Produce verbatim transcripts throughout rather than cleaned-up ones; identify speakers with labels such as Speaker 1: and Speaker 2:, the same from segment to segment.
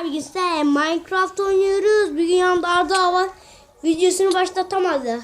Speaker 1: bugün size Minecraft oynuyoruz. Bugün yanımda Arda var. Videosunu başlatamadı.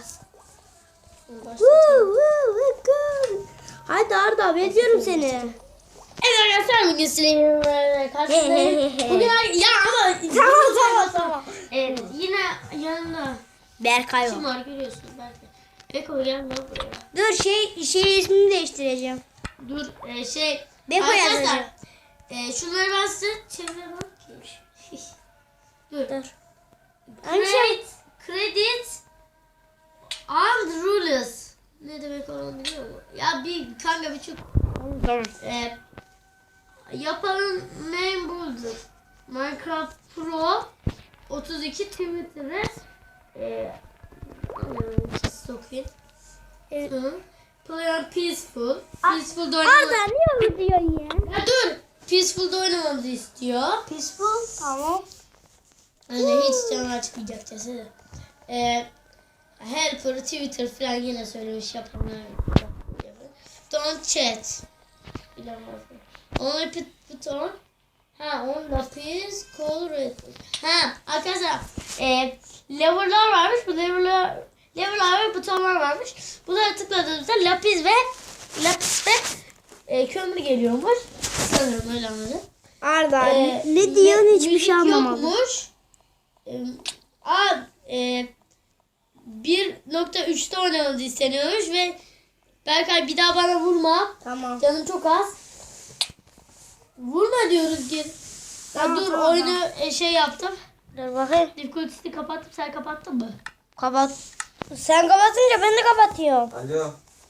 Speaker 1: Hadi Arda, bekliyorum seni.
Speaker 2: Evet arkadaşlar, bugün sizinle karşınızdayım. Bugün ya ama
Speaker 1: Tamam tamam tamam.
Speaker 2: evet, yine yanında
Speaker 1: Berkay
Speaker 2: kim
Speaker 1: var.
Speaker 2: var görüyorsun belki. Beko gel lan buraya.
Speaker 1: Dur şey şey ismini değiştireceğim.
Speaker 2: Dur e, şey
Speaker 1: Beko
Speaker 2: arkadaşlar
Speaker 1: yazacağım.
Speaker 2: e, şunları ben size çeviremem ki. Dur.
Speaker 1: Dur.
Speaker 2: Credit, credit and rules. Ne demek onu biliyor musun? Ya bir kanka bir çok
Speaker 1: Tamam.
Speaker 2: e, yapanın name budur. Minecraft Pro otuz iki Twitter'e e, sokayım.
Speaker 1: Evet.
Speaker 2: Hı. Play on Peaceful.
Speaker 1: A-
Speaker 2: Peaceful'da
Speaker 1: Arda
Speaker 2: oynamamızı...
Speaker 1: niye öyle diyorsun ya?
Speaker 2: Ya dur! Peaceful'da oynamamızı istiyor.
Speaker 1: Peaceful. Tamam.
Speaker 2: Hani hiç canı çıkmayacak cesedi. Ee, Helper, Twitter falan yine söylemiş yapanlar. Don't chat. Bilemez mi? Only put, put on. Ha, on lapis, color red. Ha, arkadaşlar e, level'lar varmış. Bu level'lar level'lar ve butonlar varmış. Bunlara tıkladığımızda lapis ve lapis ve e, kömür geliyormuş. Sanırım öyle anladım.
Speaker 1: Arda
Speaker 2: Ee,
Speaker 1: ne diyorsun, hiçbir
Speaker 2: müzik
Speaker 1: şey anlamadım.
Speaker 2: Yokmuş. Ee, a, e, bir nokta üçte oynamamız isteniyormuş ve Berkay bir daha bana vurma.
Speaker 1: Tamam.
Speaker 2: Canım çok az. Vurma diyoruz geri. Ya
Speaker 1: Tamam,
Speaker 2: dur
Speaker 1: tamam,
Speaker 2: oyunu e, şey yaptım.
Speaker 1: Dur bakayım.
Speaker 2: Difficulty'yi kapattım. Sen kapattın mı?
Speaker 1: Kapat. Sen kapatınca ben de kapatıyorum.
Speaker 3: Alo.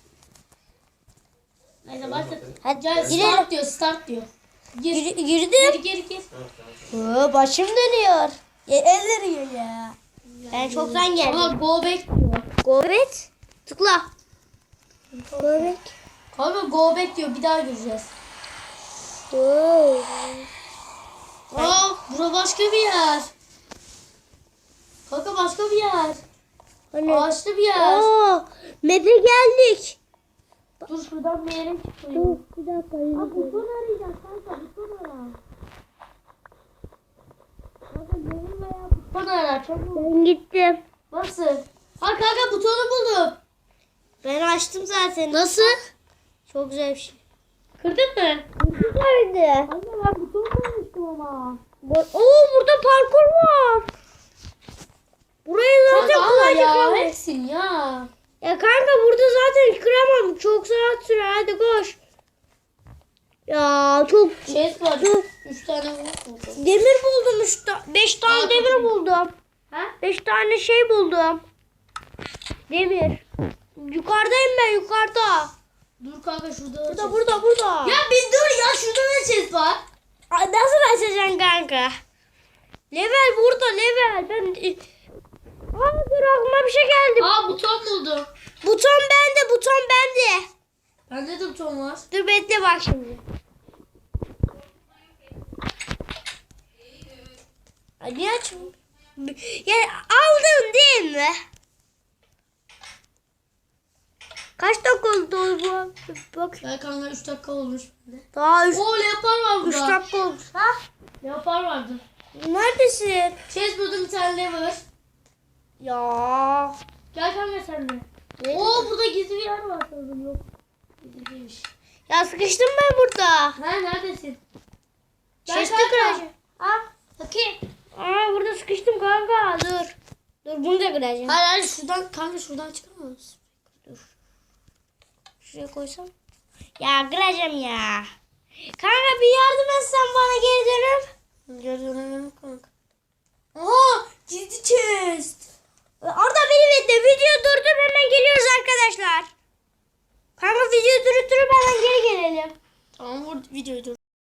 Speaker 2: Neyse başla.
Speaker 1: Hadi
Speaker 2: Gel
Speaker 1: girelim.
Speaker 2: start diyor. Start diyor. Gir.
Speaker 1: Gir,
Speaker 2: Geri
Speaker 1: girdim.
Speaker 2: geri gir.
Speaker 1: Oo, başım dönüyor. Ya, el veriyor ya. Ben çoktan
Speaker 2: Ama
Speaker 1: geldim.
Speaker 2: go back diyor.
Speaker 1: Govet. Tıkla. Govet.
Speaker 2: Kanka go back diyor. Bir daha gireceğiz.
Speaker 1: Oo.
Speaker 2: Aa, bura başka bir yer. Kanka başka bir yer.
Speaker 1: Hani?
Speaker 2: Ağaçlı bir yer.
Speaker 1: Oo, map'e geldik.
Speaker 2: Dur şuradan bir yere çıkayım.
Speaker 1: Dur bir dakika.
Speaker 2: Aa, buton arayacağız kanka. Buton ara. Kanka benim veya buton ara. Çabuk.
Speaker 1: Ben gittim.
Speaker 2: Nasıl? Ha kanka butonu buldum.
Speaker 1: Ben açtım zaten.
Speaker 2: Nasıl?
Speaker 1: Çok güzel bir şey.
Speaker 2: Kırdın mı?
Speaker 1: Nerede?
Speaker 2: Kanka ben buton bulmuştum ama.
Speaker 1: Oo, burada parkur var. Burayı zaten
Speaker 2: Kanka ama
Speaker 1: kolayca
Speaker 2: ya
Speaker 1: kıramam.
Speaker 2: hepsin ya.
Speaker 1: Ya kanka burada zaten kıramam. Çok saat sürer. Hadi koş. Ya çok
Speaker 2: Şey var.
Speaker 1: Dur.
Speaker 2: Üç tane buldum.
Speaker 1: demir buldum. Üç ta beş tane
Speaker 2: Aa,
Speaker 1: demir
Speaker 2: çok iyi.
Speaker 1: buldum.
Speaker 2: Ha?
Speaker 1: Beş tane şey buldum. Demir. Yukarıdayım ben, yukarıda.
Speaker 2: Dur kanka şurada.
Speaker 1: Burada
Speaker 2: chest.
Speaker 1: burada burada.
Speaker 2: Ya bir dur ya şurada ne chest var?
Speaker 1: Ay, nasıl açacaksın kanka? Level burada, level. Ben Aa, dur aklıma bir şey geldi.
Speaker 2: Aa buton buldum.
Speaker 1: Buton bende, buton bende.
Speaker 2: Bende de buton var.
Speaker 1: Dur bekle bak şimdi. Ay, niye açmıyor? Ya aldın değil mi? Kaç dakika oldu bu? Bak.
Speaker 2: Ya kanka üç dakika olmuş bende.
Speaker 1: Daha üç,
Speaker 2: Oo leopar var
Speaker 1: üç
Speaker 2: burada.
Speaker 1: dakika olmuş. Ha?
Speaker 2: Leopar vardı.
Speaker 1: Neredesin?
Speaker 2: Chest buldum bir tane lever.
Speaker 1: Ya.
Speaker 2: Gel kanka sen de.
Speaker 1: Ne?
Speaker 2: Oo burada gizli bir yer var sanırım yok. Gizliymiş.
Speaker 1: Ya sıkıştım ben burada.
Speaker 2: Ha neredesin? Gel
Speaker 1: Chest'i
Speaker 2: kanka.
Speaker 1: kıracağım. Ha?
Speaker 2: Bakayım.
Speaker 1: Aa, burada sıkıştım kanka. Dur. Dur bunu da kıracağım.
Speaker 2: Hayır hayır şuradan kanka şuradan çıkamaz.
Speaker 1: Şuraya koysam. Ya kıracağım ya. Kanka bir yardım etsen bana geri dönüp.
Speaker 2: Geri dönemem kanka. Aha gizli chest.
Speaker 1: Orada beni bekle. Video durdur, hemen geliyoruz arkadaşlar. Kanka video durup durup hemen geri gelelim.
Speaker 2: Tamam vur videoyu dur.